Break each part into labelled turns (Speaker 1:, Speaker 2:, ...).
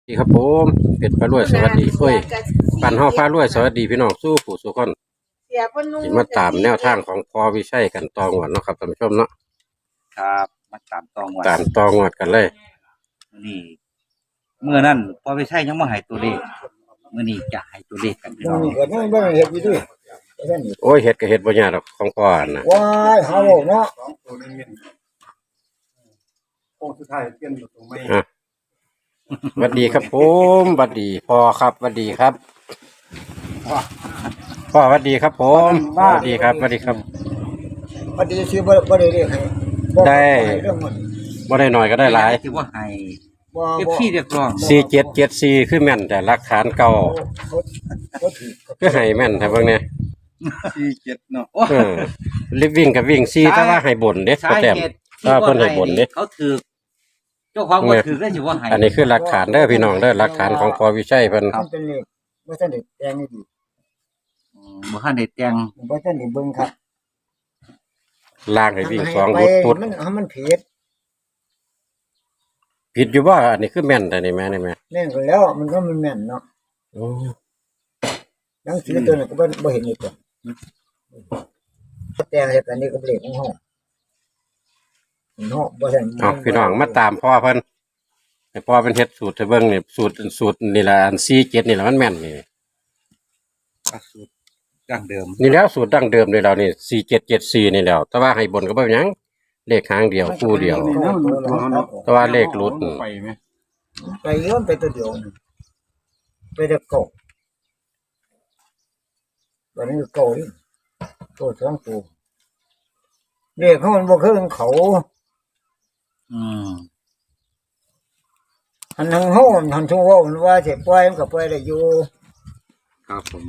Speaker 1: ดีครับผมเป็ดปลารวยสวัสดีเฮ้ยปั่นห้องปลารวยสวัสดีพี่น้องสู้ผู้สู้คนสิมาตามแนวทางของพอวิชัยกันตองวดเนาะครับท่านผู้ชมเนาะ
Speaker 2: ครับมาตามตองวัด
Speaker 1: ตามตองวดกันเลย
Speaker 2: นี่เมื่อนั้นพอไปใช่ยังมาให้ตัวเลขเมื่อนี้จะให้ตัวเลขกันพี่น้อง
Speaker 3: นี่ก็นั่งบ่เฮ็ดอยู่ดิท่านนี่
Speaker 1: โอ้ยเฮ็ดก็เฮ็ดบ่ยากหรอกของพ่อน่ะ
Speaker 3: ว้ายเฮาเนาะ
Speaker 4: โอ้สุดท้ายเปลี่ยนอยู่ตรงไม่
Speaker 1: อ่ะสวัสดีครับผมสวัสดีพ่อครับสวัสดีครับพ่อสวัสดีครับผมสวัสดีครับสวัสดีครับ
Speaker 3: พอดีสิบ่ได้เรียกให้บ่
Speaker 1: ได้
Speaker 3: เรื่องมัน
Speaker 1: บ่ได้น้อยก็ได้หลาย
Speaker 2: ถือว่าให้
Speaker 3: บ่
Speaker 2: เอฟ
Speaker 3: บ่
Speaker 2: ซีเรียกร้อง
Speaker 1: 4774คือแม่นแต่หลักฐานเก่า
Speaker 3: เขาถือ
Speaker 1: คือให้แม่นแต่เบิ่งเนี่ย
Speaker 4: 47เนาะ
Speaker 2: โอ้
Speaker 1: เออลิฟวิ่งกับวิ่งซี่แต่ว่าให้บ่นเด้
Speaker 2: สา
Speaker 1: พ่อแต้ม
Speaker 2: เหตุ
Speaker 1: ถ้าเพิ่นให้บ่นเด้
Speaker 2: เขาถือเจ้าของบ่ถือได้ถือว่าให้
Speaker 1: อันนี้คือหลักฐานเด้อพี่น้องเด้อหลักฐานของพอวิชัยเพิ่น
Speaker 3: มันเป็นเลขบ่ทันได้แปลงให้ดี
Speaker 2: บ่ทันได้แต่ง
Speaker 3: บ่ทันได้เบิ่งครับ
Speaker 1: ล่างให้วิ่งสอง
Speaker 3: ไป
Speaker 1: พุด
Speaker 3: มันผิด
Speaker 1: ผิดอยู่บ่อันนี้คือแม่นแต่นี่แม่นี่แม่
Speaker 3: แม่นก็แล้วมันก็มันแม่นเนาะ
Speaker 1: โอ้
Speaker 3: หนังสือตัวนั้นก็บ่เห็นอีกตัวแปลงให้กันนี่ก็เลขของเฮาเนาะบ่ทัน
Speaker 1: เอาพี่น้องมาตามพ่อเพิ่นให้พ่อเป็นเฮ็ดสูตรให้เบิ่งนี่สูตรนี่ล่ะอัน47นี่ล่ะมันแม่นนี่
Speaker 2: สูตรดั้งเดิม
Speaker 1: นี่แล้วสูตรดั้งเดิมเลยเรานี่4774นี่แล้วแต่ว่าให้บนก็บ่เป็นหยังเลขหางเดียวคู่เดียว แต่ว่าเลขหลุด
Speaker 4: ไปไหม
Speaker 3: ไปย้อนไปตัวเดียวนี่ไปแต่เก่าวันนี้เก่านี่ตัวสองตัวเลขเขามันบ่คือของเขา
Speaker 2: อืม
Speaker 3: หันทางเฮาหันทุ่งเว้ามันว่าสิปล่อยมันก็ปล่อยได้อยู่
Speaker 2: ครับผม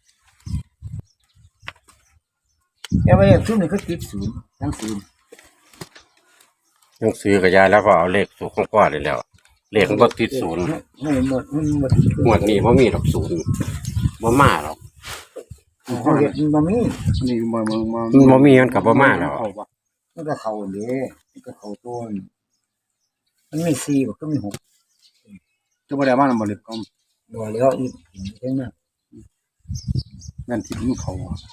Speaker 3: แต่ว่าเลขซุมนี่ก็ติดศูนย์ทั้งศูนย์
Speaker 1: ยังซื้อกับยายแล้วก็เอาเลขสูตรของพ่อเลยแล้ว เลขมันบ่ติดศูนย์
Speaker 3: ไม่หมดมันหมด
Speaker 1: งวดนี้บ่มีดอกศูนย์บ่มาหรอก
Speaker 3: เขาเฮ็ดมันบ่มี
Speaker 4: นี่มา
Speaker 1: มันบ่มีมันก็บ่มาแล้ว
Speaker 3: มันก็เข้าเด้มันก็เข้าตัวนี่มันมี4บ่ก็มี6
Speaker 4: จะบ่ได้มาบ่เล็บก็
Speaker 3: บ่แล้วอีกเห็นมั้ย
Speaker 4: แม่นที่มันเขา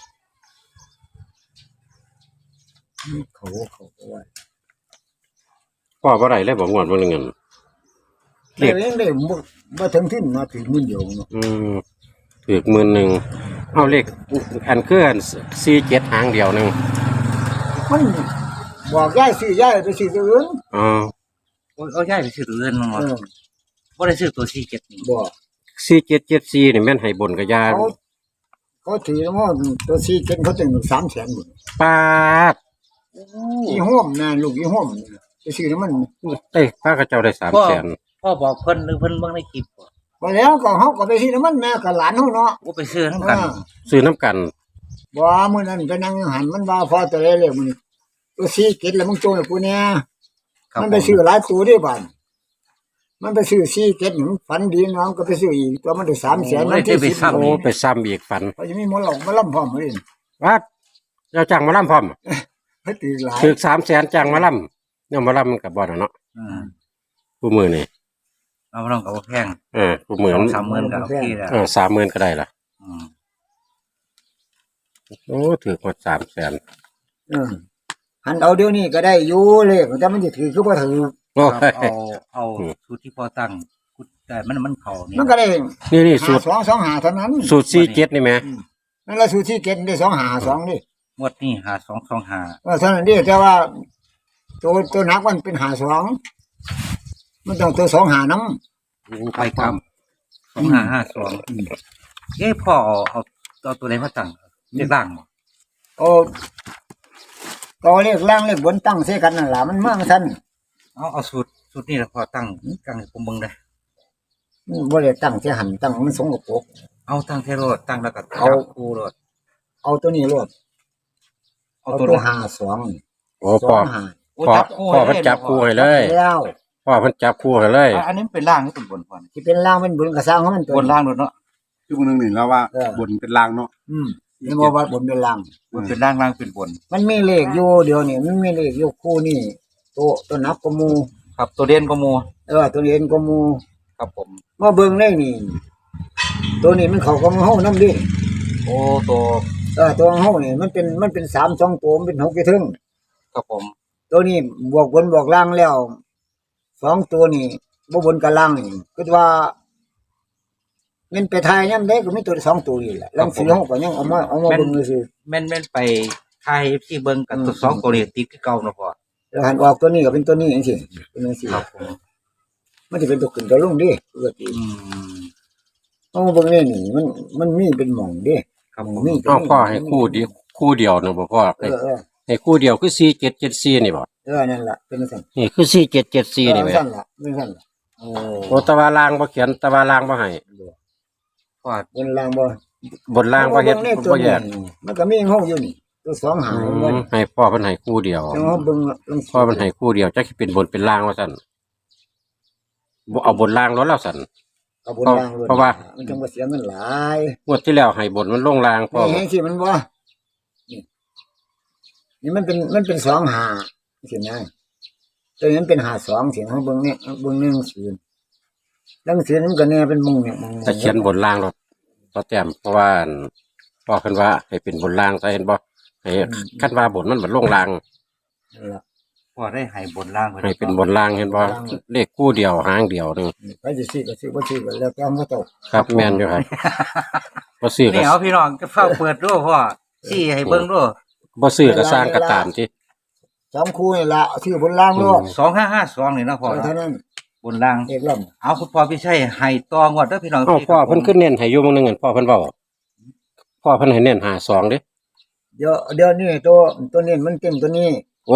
Speaker 3: เขาเอาไว้
Speaker 1: พ่อบ่ได้เลยบ่งวดบ่เงิน
Speaker 3: เลขเองได้บ่ถึงทิ้นมาถึงมื้อเดียวเนาะ
Speaker 1: ถูก10,000เอาเลขอันคืออัน47หางเดียวหนึง
Speaker 3: มันบอกยายซื้อยายไปซื้อตัวอื่น
Speaker 1: อ๋อ
Speaker 2: โอ้ยเอาย้ายไปซื้อตัวอื่นมาหมดบ่ได้ซื้อตัว47นี่
Speaker 3: บ่
Speaker 1: 4774นี่แม่นให้บนกับยา
Speaker 3: เขาถือว่าตัวซีเก็นเขาถึง300,000หมด
Speaker 1: ปาด
Speaker 3: อีห้อมนะลูกอีห้อมไปซื้อน้ำมัน
Speaker 1: เอ้ยป้าเขาเจ้าได้300,000
Speaker 2: พ่อบอกเพิ่นหรือเพิ่นเบิ่งในคลิปบ่
Speaker 3: พอแล้วก็เขาก็ไปซื้อน้ำมันแม่กับหลานเขาเนาะ
Speaker 2: ว่าไปซื้อทั้งกัน
Speaker 1: ซื้อน้ำกัน
Speaker 3: บ่มื้อนั้นไปนั่งหันมันว่าพอตัวเลเลยมื้อตัวซีเก็นแล้วมึงโจยกูเนี่ย
Speaker 2: ครับ
Speaker 3: มันไปซื้อหลายตัวเด้บ้านมันไปซื้อซีเก็นมันฝันดีน้องก็ไปซื้ออีกตัวมันได้300,000มันที่10
Speaker 1: โอ้ไปซ้ำอีกฝัน
Speaker 3: เขาจะมีหมอหลอกมาล่ำพร้อมเลย
Speaker 1: วัดเจ้าจ้างมาล่ำพร้อม
Speaker 3: เพิ่นถือหลาย
Speaker 1: ถึก300,000จ้างมาล่ำเนี่ยมาล่ำมันกับบ่น่ะเนาะ
Speaker 2: อืม
Speaker 1: ผู้มือนี่
Speaker 2: เอาบ่ต้องก็บ่แพง
Speaker 1: ผู้มือมัน
Speaker 2: 2-3 ก็โอเคแล้ว
Speaker 1: 30,000ก็ได้ล่ะ
Speaker 2: อืม
Speaker 1: โอ้ถือหมด300,000
Speaker 3: หันเอาเดี๋ยวนี้ก็ได้อยู่เลยแต่มันจะถือคือบ่ถือ
Speaker 1: โอ้
Speaker 2: ครับ
Speaker 1: ย
Speaker 2: เอาสูตรที่พ่อตั้งแต่มันเข้านี่
Speaker 3: มันก็ได้
Speaker 1: นี่สูตร
Speaker 3: 225เท่านั้น
Speaker 1: สูตร47นี่แหม
Speaker 3: นั่นละสูตรที่เก็ตได้252นี่
Speaker 2: งวดนี้5225
Speaker 3: เท่านั้นเด้แต่ว่าตัวหนักมันเป็น52มันต้องตัว25นำ
Speaker 2: ไปกรรม2552พ่อเอาตัวไหนมาตั้งเลขล่างบ่
Speaker 3: โอ้ก็เลขล่างเลขบนตั้งใส่กันนั่นล่ะมันมาซั่น
Speaker 2: เอาสูตรนี้แล้วพ่อตั้งกลางให้ผมเบิ่งได้
Speaker 3: บ่ได้ตั้งใส่หันตั้งมันสงบก
Speaker 2: เอาตั้งเทโรดตั้งแล้วก็
Speaker 3: เอา
Speaker 2: จับคู่โลด
Speaker 3: เอาตัวนี้รวด
Speaker 2: เอา
Speaker 3: เอา
Speaker 2: ตัว
Speaker 3: ตัว
Speaker 2: ไหน
Speaker 3: 52นี่
Speaker 1: โอ้พ่อ
Speaker 2: โอ้
Speaker 1: พ่อ
Speaker 2: จับคู่
Speaker 1: พ่อเพิ่นจับคู่ให้เลย
Speaker 3: แล้ว
Speaker 1: พ่อเพิ่นจับคู่ให้เลย
Speaker 2: อันนี้มันเป็นล่างหรือเป็นบนพ่อนี่
Speaker 3: ที่เป็นล่างเป็นบนก็สร้างของมันตัว
Speaker 2: บนล่างโดดเนาะ
Speaker 4: คือมันนึงนี่แล้วว่าบนเป็นลางเนาะ
Speaker 3: นี่บ่ว่าบนเป็นล่าง
Speaker 2: บนเป็นล่างล่างเป็นบน
Speaker 3: มันมีเลขอยู่เดี๋ยวนี้มันมีเลขอยู่คู่นี่ตัวนับก็หมู่
Speaker 2: ครับตัวเด่นก็หมู่
Speaker 3: ตัวเรียนก็หมู่
Speaker 2: ครับผม
Speaker 3: มาเบิ่งได้นี่ ตัวนี้มันเข้ากับเฮานำดิ
Speaker 2: โอ้ตัว
Speaker 3: ตัวเฮานี่มันเป็น3 2ตัวมันเป็น6กี่ถึง
Speaker 2: ครับผม
Speaker 3: ตัวนี้บวกบนบวกล่างแล้ว2ตัวนี่บ่บนกับล่างนี่คือว่ามันไปทายยามใดก็มีตัว2ตัวนี่แหละลองสิเฮาก็ยังเอามาเบิ่งซื่อ
Speaker 2: แม่นไปทายที่เบิ่งกับตัวสองตัวนี้ติดคือเก่าเนาะพ่อ
Speaker 3: แล้วหันออกตัวนี้ก็เป็นตัวนี้จังซี่เป็นจังซี่
Speaker 2: ครับผม
Speaker 3: มันสิเป็นตัวขึ้นตัวลงดิปกติ
Speaker 2: อืม
Speaker 3: เอามาเบิ่งนี่มันมีเป็นหม่องดิ
Speaker 2: ครับผม
Speaker 3: มี
Speaker 1: เอาพ่อให้คู่เดียวนึงบ่พ่อ
Speaker 3: เออ
Speaker 1: ให้คู่เดียวคือ4774นี่บ่
Speaker 3: นั่นล่ะเป็นจังซั่น
Speaker 1: นี่คือ4774นี่แหม
Speaker 3: ซั่นล่ะเป็นซั่นล่ะ
Speaker 2: โอ้
Speaker 1: โอ้ตะวารางบ่เขียนตะวารางบ่ให้
Speaker 2: พ่อบ
Speaker 3: นล่างบ่
Speaker 1: บนล่างบ่เฮ็ด
Speaker 3: บิ่งตัว
Speaker 1: บ่แยก
Speaker 3: มันก็มีเฮาอยู่นี่ตัว2หางมัน
Speaker 1: ให้พ่อเพิ่นให้คู่เดียว
Speaker 3: จังว่าเบิ่งลอง
Speaker 1: พ่อเพิ่นให้คู่เดียวจักสิเป็นบนเป็นล่างว่าซั่นบ่เอาบนล่างแล้วซั่น
Speaker 3: เอาบนล่างเลย
Speaker 1: เพราะว่า
Speaker 3: มันจังบ่เสียเงินหลาย
Speaker 1: งวดที่แล้วให้บนมันลงล่างพ่อ
Speaker 3: นี่เห็นสิมันบ่นี่มันเป็น2หาสินะตัวนี้มันเป็น52สิเฮาเบิ่งเนี่ยเบิ่ง1 0ดังซี่มันก็แน่เป็นมุงเนี่ยมุง
Speaker 1: แต่เขียนบนล่างรถต่อแต้มเพราะว่าอั่นพ่อเพิ่นว่าให้เป็นบนล่างซะเห็นบ่ให้คันว่าบนมันบ่ลงล่าง
Speaker 3: นั่นล่ะ
Speaker 2: พ่อได้ให้บนล่างไว้
Speaker 1: ให้เป็นบนล่างเห็นบ่เลขคู่เดียวหางเดียวนึง
Speaker 3: ไปสิซื้อก็ซื้อบ่ซื้อก็แล้วแต่มันก็ตก
Speaker 1: ครับแม่นอยู่ครับบ่ซื้อก็
Speaker 2: นี่เอาพี่น้องก็เฝ้าเปิดดูพ่อชี้ให้เบิ่งดู
Speaker 1: บ่ซื้อก็สร้างก็ตามที่
Speaker 3: 2คู่นี่ล่ะซื้อบนล่างโลด
Speaker 2: 2552นี่เนาะพ่อ
Speaker 3: เท่า
Speaker 2: เนาะ
Speaker 3: นั้น
Speaker 2: บนล่าง
Speaker 3: เอกล่ํ
Speaker 2: เอาคุณพ่อพี่ชัยให้ตองวดเด้อพี่น้อง
Speaker 1: เอ้าพ่อเพิ่นขึ้นเน้นให้อยู่มื้อนึงอั่นพ่อเพิ่นเว้าพ่อเพิ่นให้เน้น52เด้
Speaker 3: เดี๋ยวนี้ตัวนี้มันเต็มตัวนี้
Speaker 1: โอ้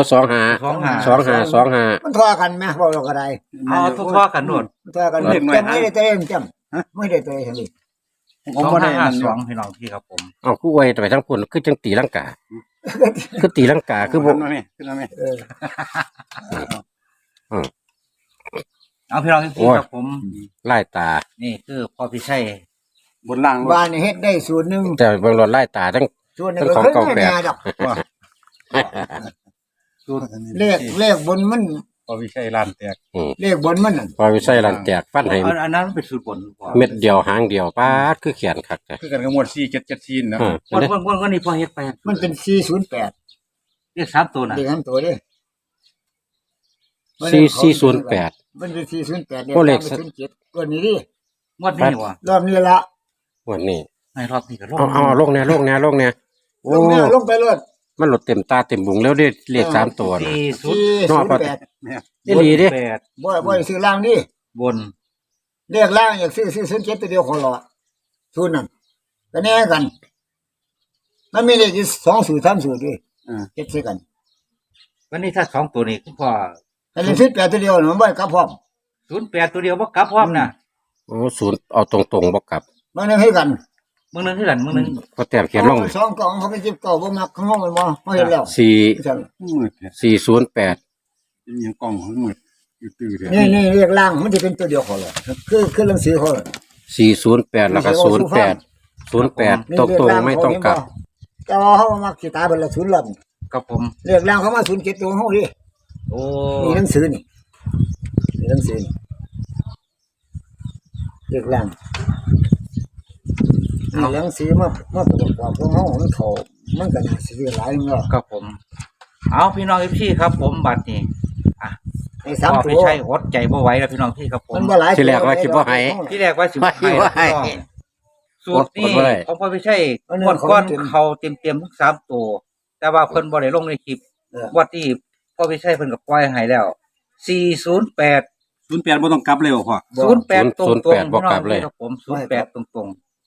Speaker 1: 25
Speaker 3: มันทอกันไหมบอกเราก็ได้
Speaker 2: เอาทั่วๆกันโน่น
Speaker 3: มันทอกันจำไม่ได้ตัวเองจำไม่ได้ตัวเองเลย
Speaker 4: ผมบ่ได้นั่นอยู่
Speaker 2: 2552พี่น้องพี่ครับผม
Speaker 1: เอาคู่ไว้ไปทั้งพุ่นคือจังตีลังกา คือตีลังกาคือบ่
Speaker 4: ขึ้นมาแม่ขึ้นมาแม่
Speaker 2: เอาพี่น้องพี่ครับผม
Speaker 1: ไล่ตา
Speaker 2: นี่คือพ่อพี่ชัย
Speaker 4: บนล่างรถ
Speaker 3: บ้านนี่เฮ็ดได้สูตรหนึ่ง
Speaker 1: แต่เบิ่งรถไล่ตาทั้ง
Speaker 3: สูตรหนึ่งก็เคยไม่แน่ดอก เลขบนมัน
Speaker 4: พอวิชัยลานแตก
Speaker 3: เลขบนมันน่ะ
Speaker 1: พอวิใส่ลันแตกฟันให้
Speaker 2: อันนั้นเป็นสูตรบนพ่อ
Speaker 1: เม็ดเดียวหางเดียวปาดคือเขียนคักแต่
Speaker 4: คือกันกับหมวด4774นะ
Speaker 2: วันนี้พ่อเฮ็ดไป
Speaker 3: มันเป็น408
Speaker 2: เรียก3ตัวน่ะ
Speaker 3: เลขนั้นตัวเด้
Speaker 1: 4408
Speaker 3: มันเป็น408
Speaker 1: โอ้เลข
Speaker 3: 07ตัวนี้ดิ
Speaker 2: งวดนี้ว่ะ
Speaker 3: รอบนี้ละ
Speaker 1: วันนี้
Speaker 2: ให้รอบนี้ก็ลง
Speaker 1: เอาลงแน่โอ้
Speaker 3: ลงไปรถ
Speaker 1: มันหลดเต็มตาเต็มบุงแล้วได้เลข3ตัวน่ะ
Speaker 3: 408
Speaker 1: อีหลีเด้
Speaker 3: บ่ได้ซื้อล่างดิ
Speaker 2: บน
Speaker 3: เลขล่างอยากซื้อ07ตัวเดียวขอรอสูตรนั้นก็แน่กัน มันมีเลข2สูตร3สูตรดิเฮ็ดซื้อกัน
Speaker 2: วันนี้ถ้า2ตัวนี้คุณพ่อ
Speaker 3: อันนี้18ตัวเดียวมันบ่กลับพร้อม
Speaker 2: 08ตัวเดียวบ่กลับพร้อมน่ะ
Speaker 1: โอ้ศูนย์เอาตรงๆบ่กลับ
Speaker 3: มันนึงให้กัน
Speaker 2: มึงนึงคือกันมึงนึง
Speaker 1: ก็แต้มเขียนลง
Speaker 3: สองกล่องเขาไปจิบเก่าบ่มักข้างนอกมันบ่เห็นแล้ว
Speaker 1: 4
Speaker 4: มืดเนี่ย
Speaker 1: 408
Speaker 4: เป็นยังกล้องของมืดอยู่ตื้อเด้
Speaker 3: นี่เรียกล่างมันจะเป็นตัวเดียวเขาเลยคือหนังสือเขา
Speaker 1: 408แล้วก็08ตรงๆไม่ต้องกลับ
Speaker 3: แต่ว่าเขามักสิตายเบิดละศูนย์ลำ
Speaker 2: กับผม
Speaker 3: เรียกล่างเขามา07ตัวเฮาดิ
Speaker 2: โอ้
Speaker 3: นี่หนังสือนี่หนังสือนี่เรียกล่างนี่หนังสือมาประกอบของเฮามันเขามันก็น่าสิหลายเนาะ
Speaker 2: กับผม เอาพี่น้องพี่ครับผมบัดนี้อ่ะ
Speaker 3: ไอ้
Speaker 2: พ่อ
Speaker 3: 3ตั
Speaker 2: พี่
Speaker 3: ว
Speaker 2: ชัยอดใจบ่ไหวแล้วพี่น้องพี่ครับผม
Speaker 3: มันบ่หลาย
Speaker 1: ที่แรกว่าคิดบ่ให้
Speaker 2: ที่แรกว่าสิบ่ให้
Speaker 1: ว่าให้
Speaker 2: พี่น้องสูตรนี้
Speaker 1: อดบ่ได้
Speaker 2: ของพ่อพี่ชัยงวดก้อนเขาเต็มๆทั้ง3ตัวแต่ว่าเพิ่นบ่ได้ลงในคลิปวัดที่พ่อพี่ชัยเพิ่นก็ปล่อยให้แล้ว408
Speaker 4: 08บ่ต้องกลับเลยบ่พ่อ
Speaker 2: 08ตรงๆ
Speaker 1: 08บ่กลับเลย
Speaker 2: พี่น้องพี่ครับผม08ตรง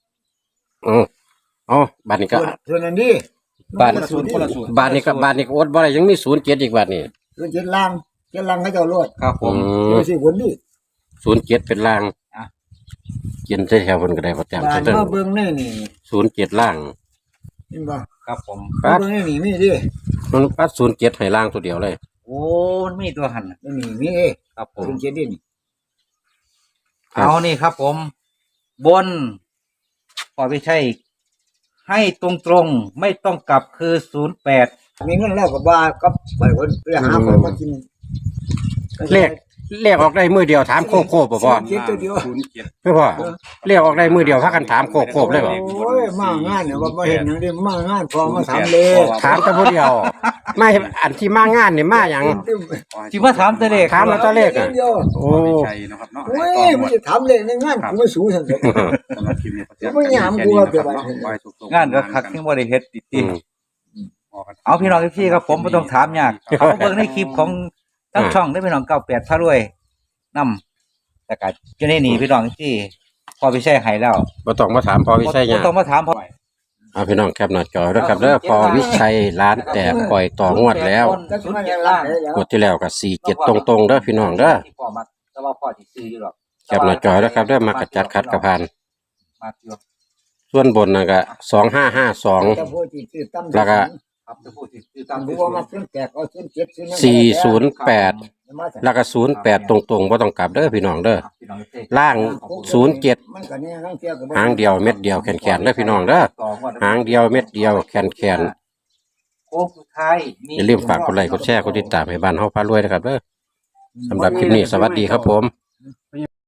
Speaker 1: อ๋อบัดนี้ก็
Speaker 3: ส่วนนั้นดิ
Speaker 1: บ้าน
Speaker 4: คนละสูตร
Speaker 1: บ้านนี้ก็อดบ่ได้ยังมี07อีกบัดนี้
Speaker 3: ส่วน7ล่างเขาเจ้าโลด
Speaker 2: ๆครับผม
Speaker 3: อยู่สิบนดิ
Speaker 1: 07เป็นล่าง
Speaker 2: อ่ะ
Speaker 1: เขียนใส่แถวเพิ่นก็ได้บ่แต้ม
Speaker 3: บ้าน
Speaker 1: เพิ่น
Speaker 3: มาเบิ่งนี่นี่
Speaker 1: 07ล่าง
Speaker 3: เห็นบ่
Speaker 2: ครับผม
Speaker 3: มาเบิ่งนี่มีดิ
Speaker 1: มันปัด07ให้ล่างตัวเดียวเลย
Speaker 2: โอ้มันมีตัวหันน่ะ
Speaker 3: นี่มีเอ้
Speaker 2: ครับผม
Speaker 3: ส่วน7ดินี่
Speaker 1: ครับ
Speaker 2: เอานี่ครับผม บนพ่อพี่ชัยให้ตรงๆไม่ต้องกลับคือ08
Speaker 3: มีเงินแล้วก็บ่ากับไปคนไปหาคนมากิน
Speaker 1: เลขเลขออกได้มือเดียวถามโคบบ่พ่อ
Speaker 3: เจ็ดตัวเดียว
Speaker 1: ไม่พ่อเลขออกได้มือเดียวพากันถามโคบเลยบ่
Speaker 3: โอ้ยมางานเนี่ยว่าบ่เห็นหยังเด้มางานพอมาถามเลย
Speaker 1: ถามแต่ผู้เดียวไม่อันที่มางานนี่มาหยัง
Speaker 2: สิมาถามแต่เลข
Speaker 1: ถามแล้วตัวเลขอ่ะ
Speaker 3: เดียว
Speaker 1: โอ้
Speaker 4: ใช่นะครับเนาะ
Speaker 3: โอ้ยมันจะถามเลยในงานกูไม่สู้ซั่นเด้อ
Speaker 4: สำหรับคลิปนี้
Speaker 3: ไม่ยามกลัวเกินไป
Speaker 2: งานก็คักยังบ่ได้เฮ็ดติ
Speaker 1: อืม
Speaker 2: เอาพี่น้องพี่ครับผมบ่ต้องถามยากเขาเบิ่งในคลิปของทั้งช่องได้พี่น้อง98พารวยนำแต่ก็อยู่ในนี้พี่น้องที่พอไปใช้ให้แล้ว
Speaker 1: บ่ต้องมาถามพอวิชัยห
Speaker 2: บ่
Speaker 1: ยัง
Speaker 2: ต้องมาถามพอ
Speaker 1: เอาพี่น้องแคปหน้าจอด้วยครับเด้อพอวิชัยร้านแตกปล่อยต่องวดแล้ว
Speaker 3: ก็สิมาอย่างล่าง
Speaker 1: งวดที่แล้วก็47ตรงๆเด้อพี่น้องเด้อ
Speaker 2: ที่พ่อมักแต่ว่าพ่อสิซื้ออยู่หรอก
Speaker 1: แคปหน้าจอด้วยครับเด้อมากระจัดคัดกระพาน
Speaker 2: มักอยู่
Speaker 1: ส่วนบนน่ะก็2552
Speaker 3: จะพูดที่ชื่อตั้ม
Speaker 1: แล้วก็
Speaker 2: ครับจะพูดสิซื้อ
Speaker 3: ตา
Speaker 2: ตาม ม
Speaker 3: ผู้
Speaker 2: ที่
Speaker 3: ว่ามาซื้อแจกเอาซื้อ7ซื้อนั่น
Speaker 1: แล้วก็08ตรงๆบ่ต้องกลับเด้อพี่น้องเด้อ
Speaker 2: พี่น้องเด้อ
Speaker 1: ล่าง07
Speaker 3: มันก็เนี่ยทั้งเที่ยวก็บ่
Speaker 1: หางเดียวเม็ดเดียวแขนๆเด้อพี่น้องเด้อหางเดียวเม็ดเดียวแขน
Speaker 2: โค้งสุดท้าย
Speaker 1: ๆอย่าลืมฝากกดไลค์กดแชร์กดติดตามให้บ้านเฮาพารวยนะครับเด้อสำหรับคลิปนี้สวัสดีครับผม